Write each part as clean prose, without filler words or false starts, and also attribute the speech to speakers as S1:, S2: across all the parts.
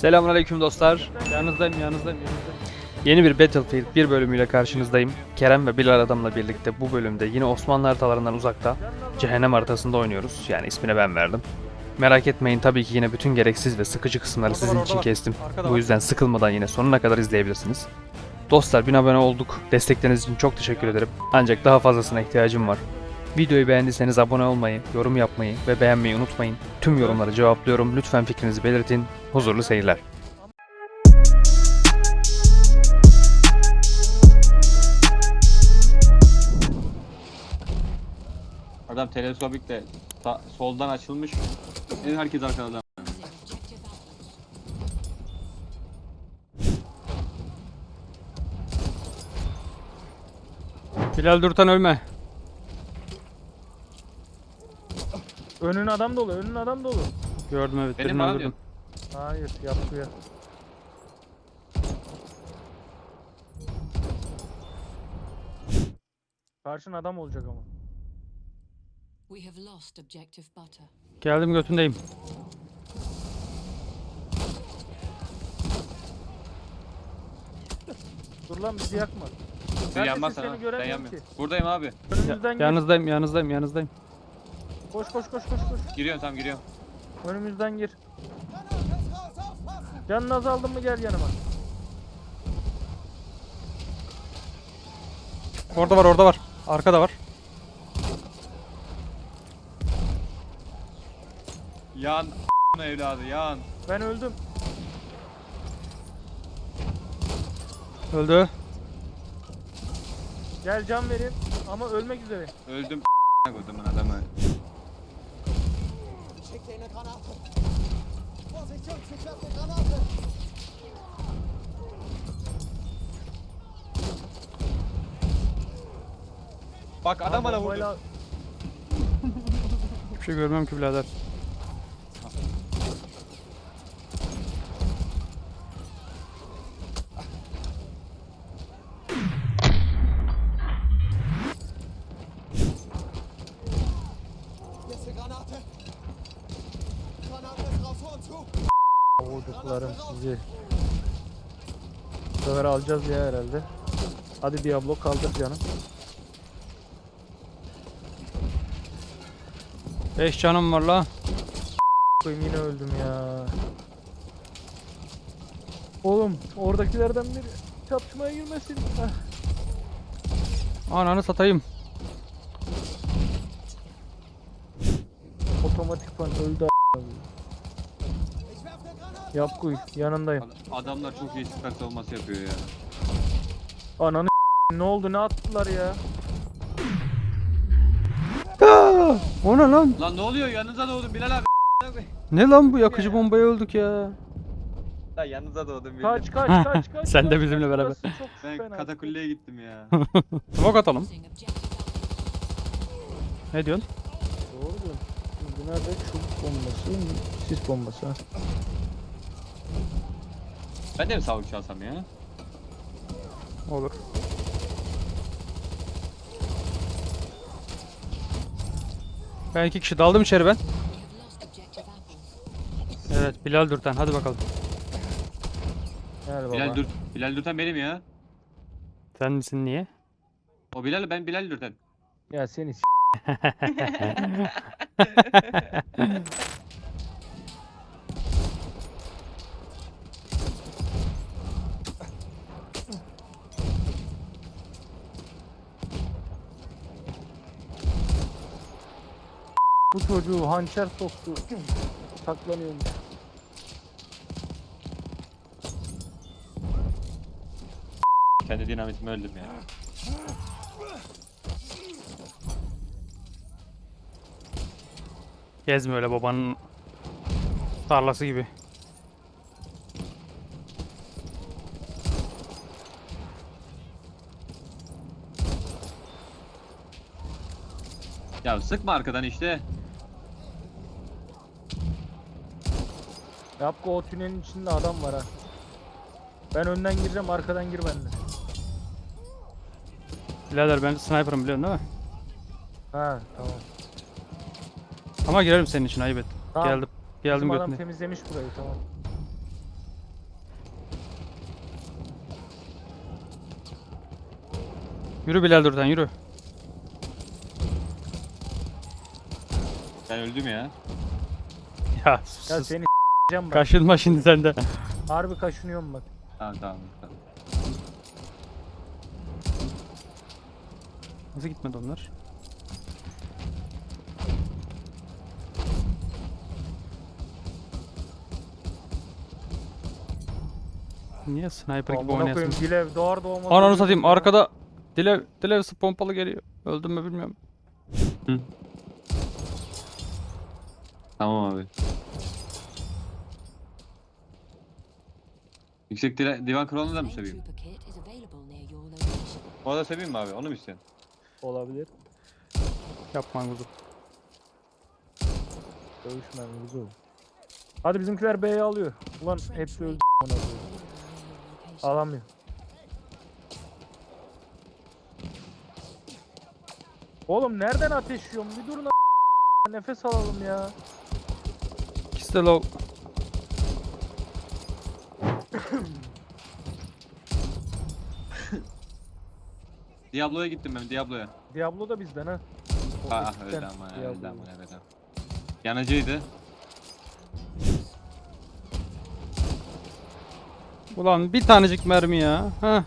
S1: Selamünaleyküm dostlar. Yanınızdayım. Yeni bir Battlefield 1 bölümüyle karşınızdayım. Kerem ve Bilal adamla birlikte bu bölümde yine Osmanlı haritalarından uzakta Cehennem haritasında oynuyoruz. Yani ismini ben verdim. Merak etmeyin, tabii ki yine bütün gereksiz ve sıkıcı kısımları sizin için kestim. Bu yüzden sıkılmadan yine sonuna kadar izleyebilirsiniz. Dostlar, 1000 abone olduk. Destekleriniz için çok teşekkür ederim. Ancak daha fazlasına ihtiyacım var. Videoyu beğendiyseniz abone olmayı, yorum yapmayı ve beğenmeyi unutmayın. Tüm yorumları cevaplıyorum. Lütfen fikrinizi belirtin. Huzurlu seyirler.
S2: Adam teleskopikle soldan açılmış. Herkes arkadan.
S1: Bilal Durtan ölme.
S3: Önün adam dolu, önün adam dolu.
S1: Gördüm, evet,
S2: Benim
S1: birini
S2: bana
S1: öldürdüm.
S3: Hayır, yapıyor. Karşın adam olacak ama.
S4: We have lost objective butter.
S1: Geldim, götündeyim.
S3: Dur lan, bizi yakma.
S2: Sen yanmazsan
S3: seni
S2: ha. Ben
S3: göremiyorum
S2: yanmıyorum.
S3: ki.
S2: Buradayım abi.
S3: Önümüzden gir.
S1: Yanınızdayım.
S3: Koş.
S2: Giriyorum, tam giriyorum.
S3: Önümüzden gir. Canın azaldın mı gel yanıma.
S1: Orada var. Arkada var.
S2: Yan evladı yan.
S3: Ben öldüm.
S1: Öldü.
S3: Gel can vereyim ama ölmek üzere.
S2: Öldüm kodumun adamı.
S5: Schickt dir eine Granate. Vorsicht, Jungs, ich werfe eine Granate.
S2: Bak adam bana vurdu.
S3: Bombayla-
S1: Hiçbir şey görmem ki birader.
S5: Hier ist eine Granate. Granate ist drauf, vor und zu.
S3: Vurduklarım sizi. Bu sefer alacağız ya herhalde. Hadi Diablo kaldır canım.
S1: 5 canım var la.
S3: Koyayım, yine öldüm ya. Oğlum oradakilerden biri çatışmaya girmesin. Heh.
S1: Ananı satayım.
S3: Otomatik pan öldü.
S5: Ich werfe eine Granate.
S3: Yap kuy, yanındayım.
S2: Adamlar çok iyi süper savunması yapıyor ya.
S3: Ananı ne oldu, ne attılar ya?
S1: O ne lan?
S2: Lan ne oluyor, yanınıza doğdum Bilal abi.
S1: Ne lan bu, yakıcı bombaya öldük ya.
S2: Lan yanınıza doğdum Bilal.
S3: Kaç.
S1: Sen de
S3: kaç,
S1: bizimle beraber.
S3: burası çok
S2: Ben
S3: fena.
S2: katakulleye gittim ya.
S1: Smoke atalım.
S4: Losing objective butter.
S1: Ne diyorsun?
S3: Doğru diyorsun. Şimdi nerede çubuk bombası, sis bombası ha.
S2: Ben de mi sağlık çalsam ya?
S1: Olur. Ben 2 kişi daldım içeri ben.
S4: We have lost objective apples.
S1: Evet, Bilal Durtan, hadi bakalım.
S3: Gel baba.
S2: Bilal Dürten benim ya.
S1: Sen misin, niye?
S2: O Bilal, ben Bilal Dürten.
S3: Ya seni Bu çocuğu hançer soktu. Saklanıyormuş.
S2: Kendi dinamitimi öldüm ya.
S1: Gezme öyle babanın tarlası gibi.
S2: Ya sıkma arkadan işte.
S3: Yapko, o tünelin içinde adam var ha. Ben önden gireceğim, arkadan gir benimle.
S1: Birader ben sniper'ım, biliyorsun değil mi?
S3: Ha tamam.
S1: Ama girerim senin için, ayıp et.
S3: Tamam.
S1: Geldim
S3: Bizim adam
S1: götüne.
S3: temizlemiş burayı, tamam.
S1: Yürü Bilal Durtan yürü.
S2: Ben öldüm ya.
S1: Ya
S3: Ya
S1: sus.
S3: seni s**eceğim bak.
S1: Kaşınma şimdi sen de.
S3: Harbi kaşınıyorum bak.
S2: Tamam tamam. Tamam.
S1: Nasıl gitmedi onlar? Niye sniper gibi
S3: Amına
S1: oynayasın?
S3: koyayım Dilev doğar doğmaz.
S1: Ananı
S3: ölüyorum
S1: satayım
S3: ya.
S1: arkada Dilev pompalı geliyor. Öldüm mü bilmiyorum.
S2: Tamam abi. Yüksek divan kralını da mı
S4: Main
S2: seveyim?
S4: trooper kit is available near your location.
S2: O da seveyim mi abi? Onu mu istiyorsun?
S3: Olabilir.
S1: Yapma kuzum.
S3: Dövüşmem güzel. Hadi bizimkiler B'yi alıyor. Ulan
S4: Trench
S3: hepsi öldü.
S4: rate
S3: amına
S4: is
S3: koyayım.
S4: available near your location.
S3: Alamıyor. Oğlum nereden ateş yiyorum? Bir durun nefes alalım ya.
S1: İkisi de low.
S2: Diablo'ya gittim ben Diablo'ya.
S3: Diablo da bizden ha. O
S2: Ah
S3: ekipten
S2: öyle ama ya,
S3: Diablo.
S2: öyle ama evet abi. Yanıcıydı.
S1: Ulan bir tanecik mermi ya. Heh.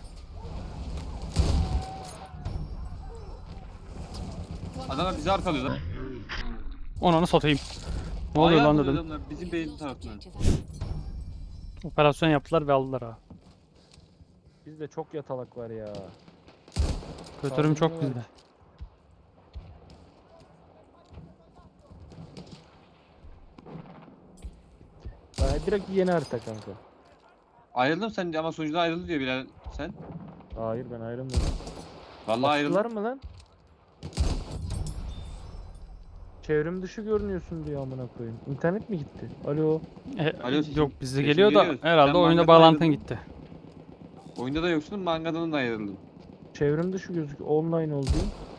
S2: Adamlar bizi arkalıyor lan.
S1: Onanı satayım. Ne oluyor
S2: Ayağa
S1: lan
S2: vuruyor
S1: dedim.
S2: adamlar, bizim beyin tarafından.
S4: Objective
S1: Operasyon yaptılar ve aldılar ha.
S3: Bizde çok yatalak var ya.
S1: Götürüm çok
S3: Saldırıyorlar.
S1: bizde.
S3: Direkt yeni harita kanka.
S2: Ayrıldım sen ama sunucudan ayrıldı diyor Bilal sen.
S3: Hayır ben ayrılmıyorum.
S2: Vallahi
S3: Attılar
S2: ayrıldım.
S3: mı lan? Çevrim dışı görünüyorsun diyor amına koyayım. İnternet mi gitti? Alo.
S2: Alo, sesim-
S1: Yok bizde
S2: sesim
S1: geliyor da
S2: geliyor.
S1: herhalde
S2: Sen
S1: oyunda
S2: mangadan
S1: bağlantın
S2: ayrıldın.
S1: gitti.
S2: Oyunda da yoksun, mangadan da ayrıldım.
S3: Çevrim dışı gözüküyor. Online oldu.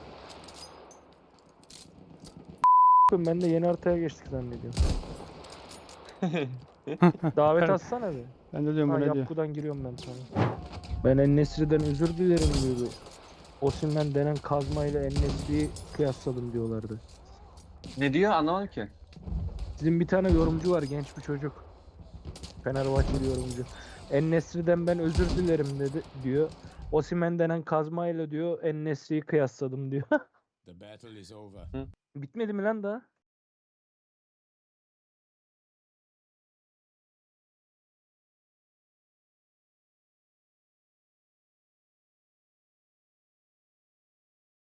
S3: Ben de yeni haritaya geçtik zannediyorum. Davet atsana bir.
S1: Ben de diyorum
S3: Ha
S1: bu ne diyor.
S3: yapkudan giriyorum ben sana. Ben En-Nesyri'den özür dilerim diyordu. Osimhen denen kazmayla En-Nesyri'yi kıyasladım diyorlardı.
S2: Ne diyor anlamadım ki.
S3: Sizin bir tane yorumcu var, genç bir çocuk. Fenerbahçeli yorumcu. En-Nesyri'den ben özür dilerim dedi diyor. Osimhen denen kazmayla diyor En-Nesyri'yi kıyasladım diyor.
S5: The battle is over.
S3: Bitmedi mi lan daha?